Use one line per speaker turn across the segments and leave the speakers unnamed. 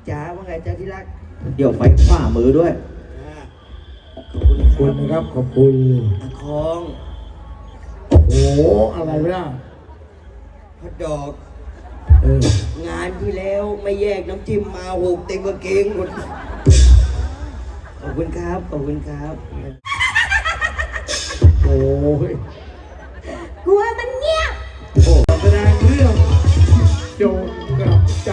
จ๋าว่าไงจ๊ะที่รัก
เดี๋ยวไฟขวามือด้วย
ขอบคุณ
นะครับขอบคุณ
ตะคอง
โอ้โหอะไรวะเนี่ย
ฮอทดอกงานที่แล้วไม่แยกน้ำจิ้มมาหกเต็มกางเกงหมดขอบคุณครับขอบคุณครับ
โอ้ย
กลัวมันเงียบ
โอ้แสดงเรื่องโจรกลับใจ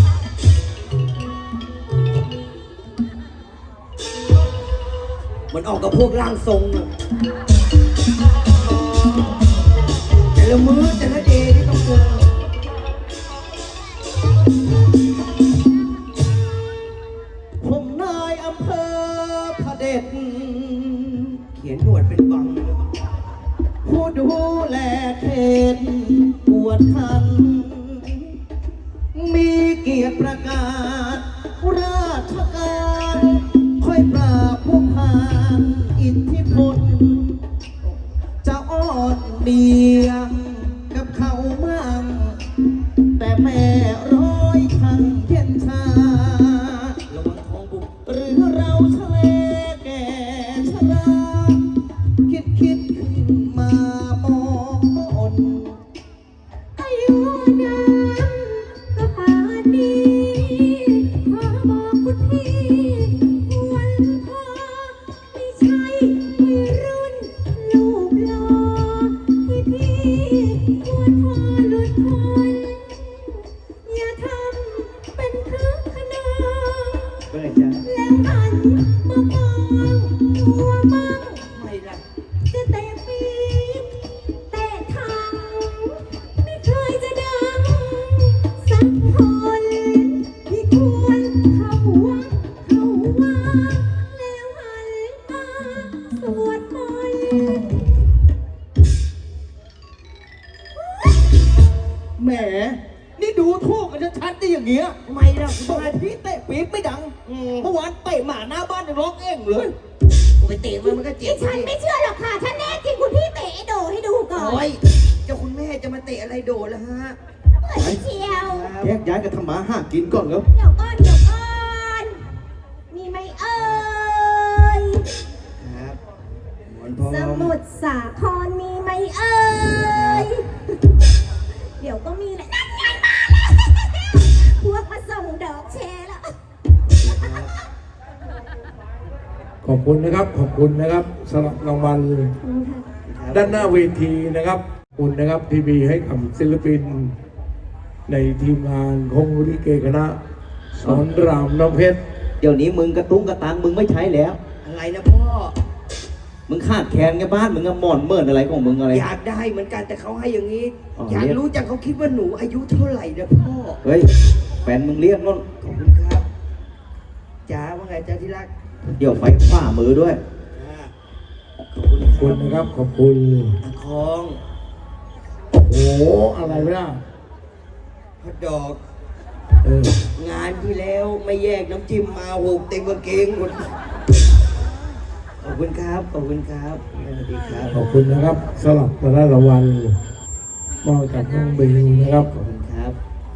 มันออกกับพวกร่างทรงอะแต่ละมื้อแต่ละเดย์ที่ต้องเจอผมนายอำเภอพระเดชเขียนหนวดเป็นบังผู้ดูแลเขตปวดคันมีเกียรติประกาศราชการค่อยปราบพวกพานอิทธิพลจะอ้อนเดียงกับเขามั่งแต่แม่ร้อยทันเย็นชาระวังท้องบุกหรือเราทะเลแก่ชราคิดขึ้นมามองมน
อายุนานก็ป่านนี้ขอบอกคุณพี่ควรพอไม่ใช่วัยรุ่นลูกหล่อที่พี่ควรพอหลุดพ้นอย่าทำเป็นคึกขนอง
เป็นไงจ๊ะ
แล้วหันมามองตัวมั่ง
ไม่ละ
จะเตะปี๊บเตะถังไม่เคยจะดังสักคนที่ควรเข้าวัดเข้าวาแล้วหันมาสวดมนต์
แหมนี่ดูถูกกันชัดๆได้อย่างเงี้ยทำไมล่ะทำไมพี่เตะปี๊บไม่ดังเมื่อวานเตะหมาหน้าบ้านยังร้องเอ้งเลยไปเตะมันก็เจ็บ
ฉันไม่เชื่อหรอกค่ะถ้าแน่จริงคุณพี่เตะไอ้โดให้ดูก่อน
โอ้ยเจ้าคุณแม่จะมาเตะอะไรโดดล่ะฮะ
เหมือนเชียว
แยกย้ายกันทำมาหากินก่อนครับ
เดี๋ยวก่อนเดี๋ยวก่อนมีไหมเอ่ย
ครับวันพ่อ
สมุทรสาครมีไหมเอ่ยเดี๋ยวก็มีแหละนั่นไงมาแล้วพวกมาส่งดอกแชร์แล้ว
ขอบคุณนะครับขอบคุณนะครับสำหรับรางวัลด้านหน้าเวทีนะครับขอบคุณนะครับที่มีให้กับศิลปินในทีมงานของลิเกคณะสอนรามน้ำเพชร
เดี๋ยวนี้มึงกระตุ้งกระตังมึงไม่ใช้แล้ว
อะไรนะพ่อ
มึงขาดแคลนไงบ้านมึงอะหมอนเมินอะไรของมึงอะไร
อยากได้เหมือนกันแต่เขาให้อย่างนี้
อ๋อ
อยาก
เรียก
รู้จังเขาคิดว่าหนูอายุเท่าไหร่นะพ่อ
เฮ้ยแฟนมึงเรียกนู่น
ขอบคุณครับจ๋าว่าไงจ๊ะที่รัก
เดี๋ยวไฟขวามือด้วย
ขอบคุณ
ขอบคุณนะครับขอบคุณ
ตะคอง
โอ้โหอะไรวะเนี่ย
ฮอทดอก
เออง
านที่แล้วไม่แยกน้ำจิ้มมาหกเต็มกางเกงหมดขอบคุณครับขอบคุณครับสวัสดีครับ
ขอบคุณนะครับสำหรับแต่ละรางวัลมอบจากน้องบิวนะครับ
ขอบคุณครับ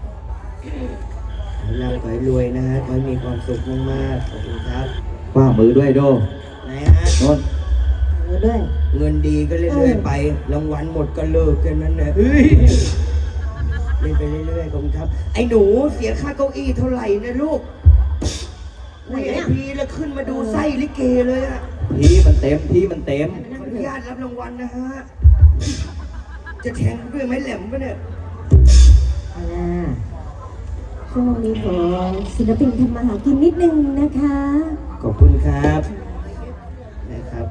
ขอให้ร่ำขอให้รวยนะฮะขอให้มีความสุขมากๆขอบคุณครับ
ขวามือด้วยโด
ไหนฮะ
นู่น
ด้วย
เงินดีก็เรื่อยๆไปรางวัลหมดก็เลิกแค่นั้นแหละเฮ้ยเล่นไปเรื่อยๆขอบคุณครับไอ้หนูเสียค่าเก้าอี้เท่าไหร่นะลูก VIP แล้วขึ้นมาดูไส้ลิเกเลยอะ
ที่มันเต็มที่มันเต็ม
ขออนุญาตรับรางวัลนะฮะ จะแทงด้วยไม้แหลมปะเนี่ย
ช่วงนี้ขอศิลปินทำมาหากินนิดนึงนะคะ
ขอบคุณครับนะครับ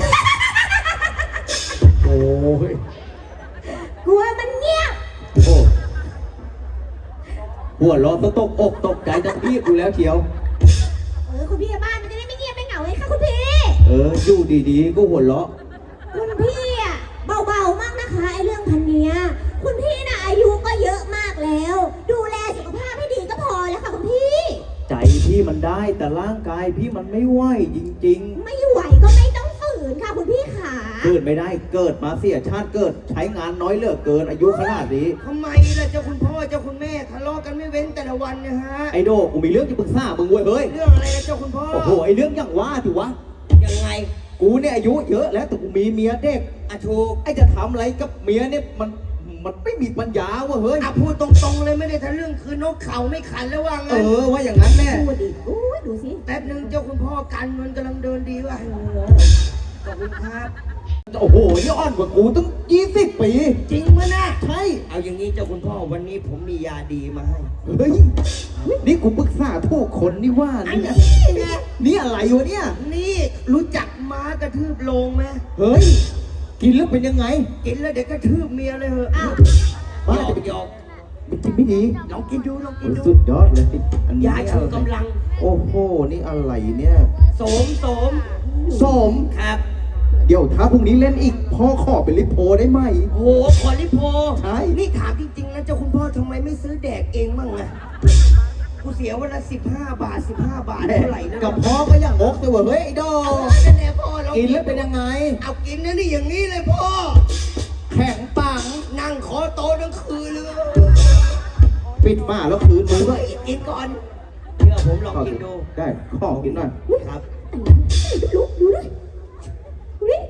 โอ้ย
กลัวมันเงียบ
โอ้หัวเร้อนตกอกตกใจจะพี่กูแล้วเชียว
คุณพี่บ้านมันจะได้ไม่เงียบไม่เหงาไงคะคุณพี่
อยู่ดีๆก็หัวเราะ
คุณพี่อ่ะเบาๆมากนะคะไอ้เรื่องพันเนี้ยคุณพี่น่ะอายุก็เยอะมากแล้ว ดูแลสุขภาพให้ดีก็พอแล้วค่ะคุณพี่
ใจพี่มันได้แต่ร่างกายพี่มันไม่ไหวจริง
ไม่ไหวก็ไม่ต้องฝืนค่ะคุณพี่ขา
เกิดไม่ได้เกิดมาเสียชาติเกิดใช้งานน้อยเหลือเกินอายุขนาดนี้
ทำไมล่ะเจ้าคุณพ่อเจ้าคุณแม่ทะเลาะกันไม่เว้นแต่ละวันเนี่ยฮะ
ไอโดกูมีเรื่องจะปรึกษามึงเว้ยเฮ้ย
เรื่องอะไรนะเจ้าคุณพ่อ
โอ้โหไอเรื่องอย่างว่าถือวะ
ยังไง
กูเนี่ยอายุเยอะแล้วแต่กูมีเมียเด็ก
อะถูก
ไอจะทำอะไรกับเมียเนี่ยมันไม่มีปัญญาวะเฮ้ย
อะพูดตรงๆเลยไม่ได้ทะลึ่งคือนกเขาไม่ขันแล้วว่า
เอ
งั้น
อว่าอย่างนั้นแน่
ดูดิอุ้ยดูสิ
แป๊บนึงเจ้าคุณพ่อกันมันกำลังเดินดีว่ะขอบคุณครับ
โอ้โหนี่อ่อนกว่ากูตั้ง20 ปี
จริงมั้ยนะ
ใช่
เอาอย่างนี้เจ้าคุณพ่อวันนี้ผมมียาดีมาให้
เฮ้ยนี่กูปรึกษาทุกคนนี่ว่า
อัน
นี่
นี้ไง
นี่อะไรวะเนี่ย
นี่รู้จักม้ากระทืบโลงไหม
เฮ้ยกินแล้วเป็นยังไง
กินแล้วเดี๋ยวกระทืบเมียเลยเหอะอ้าวห
บ้าย
อกหยอก
มันกินไม่ดี
ลองกินดูลองกินดู
สุดยอดเลยอันนี้
ยาชูกำลัง
โอ้โหนี่อะไรเนี่ย
โสม
สม
ครับ
เดี๋ยวถ้าพรุ่งนี้เล่นอีกพ่อขอเป็นลิโพได้ไหม
โหขอลิโพ
ใช่
นี่ถามจริงๆนะเจ้าคุณพ่อทำไมไม่ซื้อแดกเองบ้างอะกูเสียวันละ15 บาท 15 บาทเท่าไหร่นะ
กับพ่อก็อย่างงกแต่ว่าเฮ้ยไอ้ดอ
นั่นแหละพ่อเรา
กิ
กิ
นแล้วเป็นยังไง
เอากินนะนี่อย่างนี้เลยพ่อ
แข็งปัง
นั่งขอโตะทั้งคืนเลย
ปิดฝาแล้วคืนมือ
เฮ้ยกินก่อนเชื่อผมลองกินดู
ได้ขอกินหน่อย
ครับ
ลุกดูดิดูดิ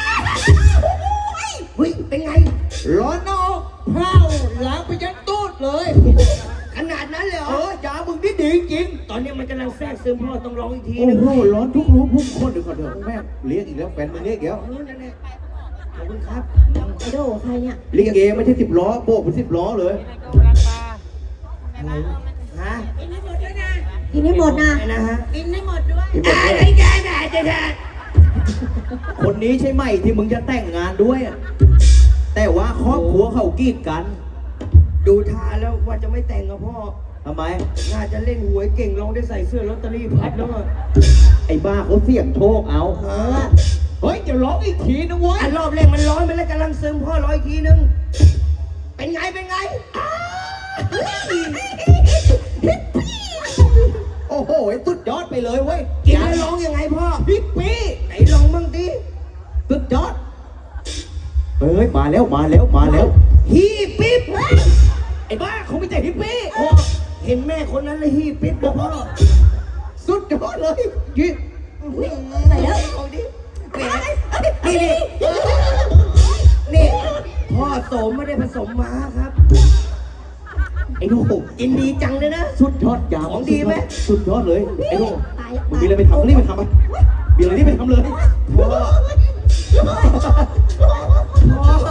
เฮ้ยเป็นไง
ร้อนนอกเผาล้างไปยันตูดเลย
ขนาดนั้นเลยเหร
เอ
อ
อยามึงนี่ดีจริง
ตอนนี้มันกำลังแทรกซึมพ่อต้องร้องอีกที
โอ้
นึง
โหร้อนทุกรู้พุ่งคนเดี๋ยวก่อนเถอะแม่เรียกอีกแล้วแฟนมึงเรียกอีกแล้ว
นั่นแหละขอบคุณครับ
ไอโดใครเนี่ย
ลิเกไม่ใช่10 ล้อโบกเป็น10 ล้อเลย
อะไรฮะ
กินให้หมดนะ
อะไรนะฮะ
ที่บอก
อะไร
ว่า
แกแม่จะแท้
คนนี้ใช่ไหมที่มึงจะแต่งงานด้วยอะแต่ว่าครอบครัวเขากีดกัน
ดูท่าแล้วว่าจะไม่แต่งกับพ่อ
ทำไม
น่าจะเล่นหวยเก่งลองได้ใส่เสื้อลอตเตอรี่พับแล้วอะ
ไอ้บ้าเขาเสี่ยงโชคเอา
ฮะ
เฮ้ยเดี๋ยวร้องอีกทีนะเว้ย
อันรอบแรกมันร้อนไปแล้วกำลังซึมพ่อร้อยทีนึง เป็นไงเป็นไงอ้าว
โอ้โหสุดยอดไปเลยเว้ย
กินแล้วร้องยังไงพ่อ
พี่ปี
ไหนลองบ้างดิ
สุดยอดเฮ้ยมาแล้วมาแล้วมาแล้ว
ฮีปิ๊บ
ไอ้บ้าเขาไม่แต่ฮิปปี้
พ่อเห็นแม่คนนั้นเลยฮีปิ๊บเลยพ่อ
สุดยอดเลยยี่
ใส่แล้ว
เอาดิแหมนี่นี่พ่อโสมไม่ได้ผสมม้าครับ
ไอ้โน่
กินดีจังเลยนะ
สุดยอดยาว
ของดีไหม
สุดยอดเลยไอ้โน่
ตายแล้ว
มึงมีอะไรไปทำรีบไปทำไปมีอะไรรีบไปทำเลย
พ่อพ่อ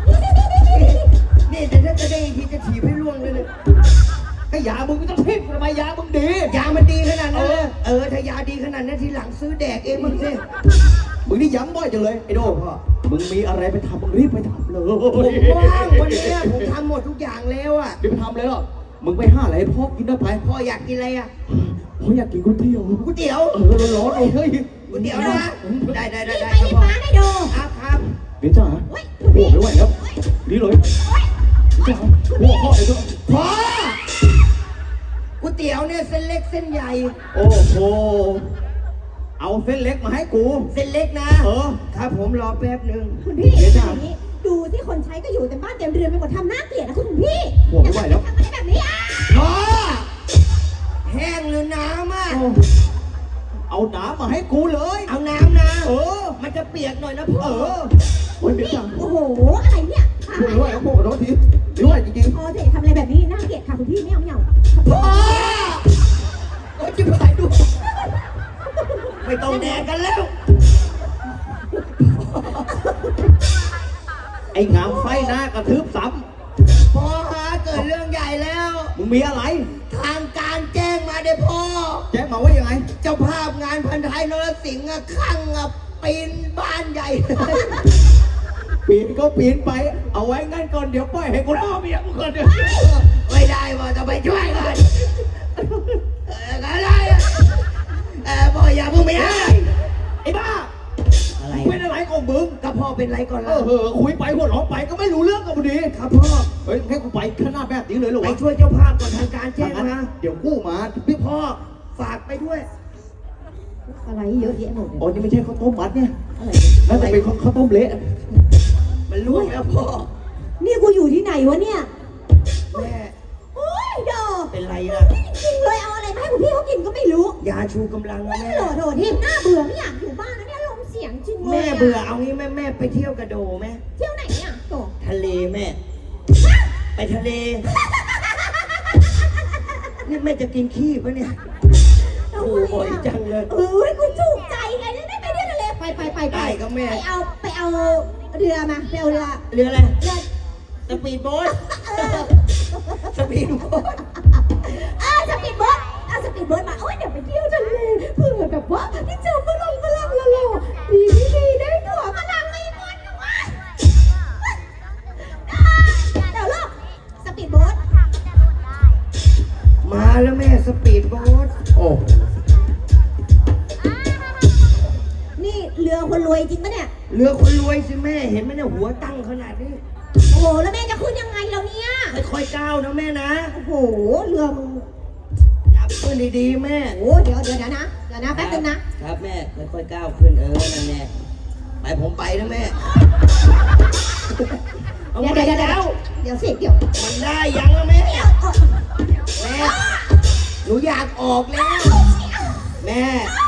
นี่แต่ถ้าจะได้อีกทีจะถีบให้ล่วงเลยเนี่ย
ไอ้ยามึงไม่ต้องทิพย์ทำไมยามึงดี
ยามันดีขนาดนั้นเลยถ้ายาดีขนาดนั้นทีหลังซื้อแดกเองมึงสิ
มึงนี่ย้ำบ่อยจังเลยไอ้โน่พ่อมึงมีอะไรไปทำมึงรีบไปทำเลย
ผมว่างวันนี้ผมทำหมดทุกอย่างแล้วอ่ะ
รีบไปทำเลยเหรอมึงไปห้าอะไรให้พ่อกินได้ไป
พ่ออยากกินอะไรอ่ะ
พ่ออยากกินก๋วยเตี๋ยว
ก๋วยเตี๋ยว
ร้อนๆเลยเฮ้ย
ก๋วยเตี๋ยวนะได้ได้ได้
ไป
ได้
ที่
ครับพ่อ
ม้าได้โด
ครับครับ
เดี๋ยวจ้าโอ้ไม่ไหวแล้วนี่เลยจ้าโอ้พ่อเดี๋ยวจ้า
พ่อก๋วยเตี๋ยวเนี่ยเส้นเล็กเส้นใหญ่
โอ้โหเอาเส้นเล็กมาให้กู
เส้นเล็กนะ ครับผมรอแป๊บหนึ่ง
คุณพี่
เดี๋ยวจ้ะ
อย่างนี้ดูที่คนใช้ก็อยู่แต่บ้านเต็มเรือนไปหมดทำหน้าเกลียดนะคุณพี่
โอ้ไม่ไหวแล้ว
ทำอะไรแบบนี้อ่ะ
พ่อแห้งหรือน้ำอ่ะ
เอาน้ำมาให้กูเลย
เอาน้ำนะ มันจะเปียกหน่อยนะพ่อ
โอ้ยเดี๋ยวจ้า
โอ้โหอะไรเนี่ยตาย
ไม่ไหวแล้วพวกขอโทษทีไม่ไหวจริง
พอเถอะทำอะไรแบบนี้น่าเกลียดค่ะคุณพี่ไม่เอาไม่เอา
พ่อโอ้ยจิบหายดูไม่ต้องแดกกันแล้ว
ๆไอ้งามไฟหน้ากระทืบซ้
พ่อฮะเกิดเรื่องใหญ่แล้ว
ำมึงมีอะไร
ทางการแจ้งมาเด้อพ่อ
แจ้งมาว่ายังไง
เจ้าภาพงานพันท้ายนรสิงห์อะข้างอะปีนบ้านใหญ่
ปีนก็ปีนไป เอาไว้งั้นก่อนเดี๋ยวปล่อยให้กูเล่าเมียกูก่อนเดี๋ยว
ไม่ได้ว่าจะไปช่วยกันอะไรอะพ่ออย่าเพิ่งไปให้
ไอ้บ้า
อะไร
เป็นอะไรของมึง
ก็พ่อเป็นไรก่อน
เอ
ล่ะ
อคุยไปหัวเราะไปก็ไม่รู้เรื่องกับพอดี
ครับพ่อ
เฮ้ยให้กูไปขนาดแบบนี้เลยเหรอ
ไป
วะ
ช่วยเจ้าภาพก่อนทางการแจ้ง
งั้น
มา
เดี๋ยวกู้มาพี่พ่อ
ฝากไปด้วย
อะไรเยอะแยะหมดเนี่ย
อ๋อนี่ไม่ใช่ข้าวต้มมัดเนี่ย
อะไร
น่าจะเป็นข้าวต้มเละ
มันล่วงแล้วพ่อ
นี่กูอยู่ที่ไหนวะเนี่ย
แม่
โอ้ยดอก
เป็นไรล่ะ
จริงเลยเอาอะไรมาให้คุณพี่เขากินก็ไม่รู้
ยาชูกำลังนะแม่
โดดทีมหน้าเบื่อไม่อยากอยู่บ้านแล้วเนี่ยลมเสียงจริงเลย
แม่เบื่อเอางี้แม่ไปเที่ยวกระโดไหม
เที่ยวไหนเนี่ยโต
ทะเลแม่ ไปทะเล นี่แม่จะกินขี้ปะเนี่ย โอ้โหบ่อยจังเลย
เอ้ยกูถูกใจไงได้ไปเที่ยวทะเลไป
ได้ก็แม่
ไปเอาเรือมาไปเอาเรือ
เรืออะไร
เรือ
สปีดโบ๊ทสปีดโบ๊ท
สปีดโบ๊ทเอาสปีดโบ๊ทมาโอ้ยเดี๋ยวไปเที่ยวทะเลเพื่อแบบว่าที่เจอฝรั่งแล้วดีได้ตั๋วฝรั่งไม่หมดนะวะเดี๋ยวลูกสปีดโบ๊ท
มาแล้วแม่สปีดโบ๊ท
โอ้
นี่เรือคนรวยจริงปะเนี่ย
เรือคนรวยสิแม่เห็นไหมเนี่ยหัวตั้งขนาดนี้
โอ้โหแล้วแม่จะขึ้นยังไงแล้วเนี่ย
ค่อยๆก้าวนะแม่นะ
โอ้โหเรือมึง
จับขึ้นดีๆแม่
โอ้เดี๋ยวนะแป๊บนึงนะครับ
แม่ค่อยๆก้าวขึ้นนั่นแน่ไปผมไปนะแม่เอา
เดี๋ยว
ไป
เดี๋ยว
แล้ว
เดี๋ยวสิเดี๋ยว
มันได้ยังแล้วแม่ แม่หนูอยากออกแล้ว แม่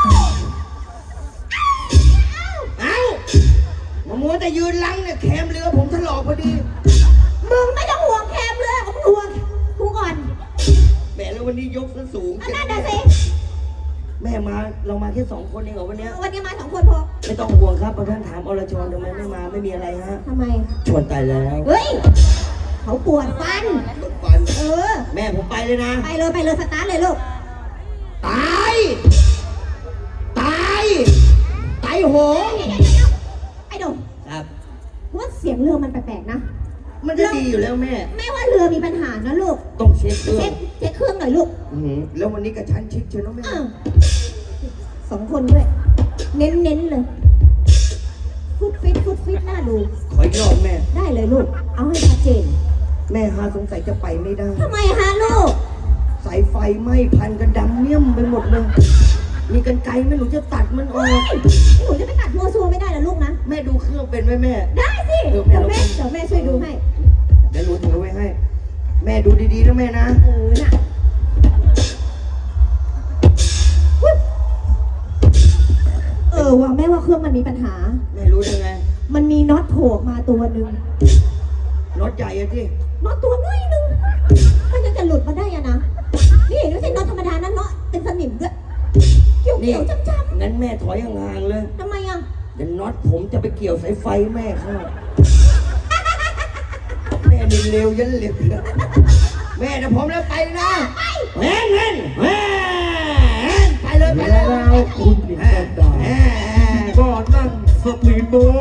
เอ้ามามัวแต่ยืนลังเนี่ยแคมเรือผมถลอกพอดี
มึงไม่ต้องห่วงแคมเรือของมึงห่วงกูก่อน
แม่แล้ววันนี้ยกซะสูง
อันนั้นน่ะสิ
แม่มาเรามาแค่2 คนเองเหรอวันเนี้ย
วันนี้มา2 คนพอ
ไม่ต้องห่วงครับพอท่านถามอรชรทำไมไม่มาไม่มีอะไรฮะ
ทำไม
ชวนตายแล้ว
เฮ้ยเขาปวดฟัน
ตกฟัน
เออ
แม่ผมไปเลยนะ
ไปเลยสตาร์ทเลยลูก
ตายตายตายโหง
เดี๋ยวไอ้ดง
ครับ
ว่าเสียงเรือมันแปลกๆนะ
มันจะดีอยู่แล้วแม่
แม่ว่าเรือมีปัญหานะลูก
ต้องเช็คเครื่อง
เช็คเครื่องหน่อยลูก
แล้ววันนี้กระชั้นชิดเชียวนะแม่
อ้าว2 คนด้วย เน้นเลยฟุตฟิตน่าดู
ขออีกรอบแม่
ได้เลยลูก เอาให้ชัดเจน
แม่ฮาสงสัยจะไปไม่ได้
ทำไมฮะลูก
สายไฟไหม้พันกันดำเมี่ยมไปหมดเลย มีกันไกลไหม่หนูจะตัดมันออก
หนูจะไปตัดมัวซัวไม่ได้นะลูกนะ
แม่ดูเครื่องเป็นไหมแม่
ได้สิ
เออ
เดี๋ยวแม่ช่วยดูให้
เดี๋ยวหนูถือไว้ให้ แม่ดูดีๆนะแม่นะ
น่ะว่าแม่ว่าเครื่องมันมีปัญหา
แม่รู้ยังไง
มันมีน็อตโผล่ออกมาตัวหนึ่ง
น็อตใหญ่อะที่
น็อตตัวน้อยหนึงมันยังจะหลุดมาได้อะนะ นี่ไม่ใช่น็อตธรรมดานะน็อตเป็นสนิมด้วยเกี่ยวๆจ้ำ
งั้นแม่ถอยห่างๆเลย
ๆทำไมอ่ะ
เดี๋ยวน็อตผมจะไปเกี่ยวสายไฟแม่เข้าแม่นี่เร็วยันเร็วแม่เดี๋ยวผมแล้วไปนะแม่เงินไปเลยไปเลย
แล้วคุณหญิงกันดาก็นั่งสปีดโบ๊ท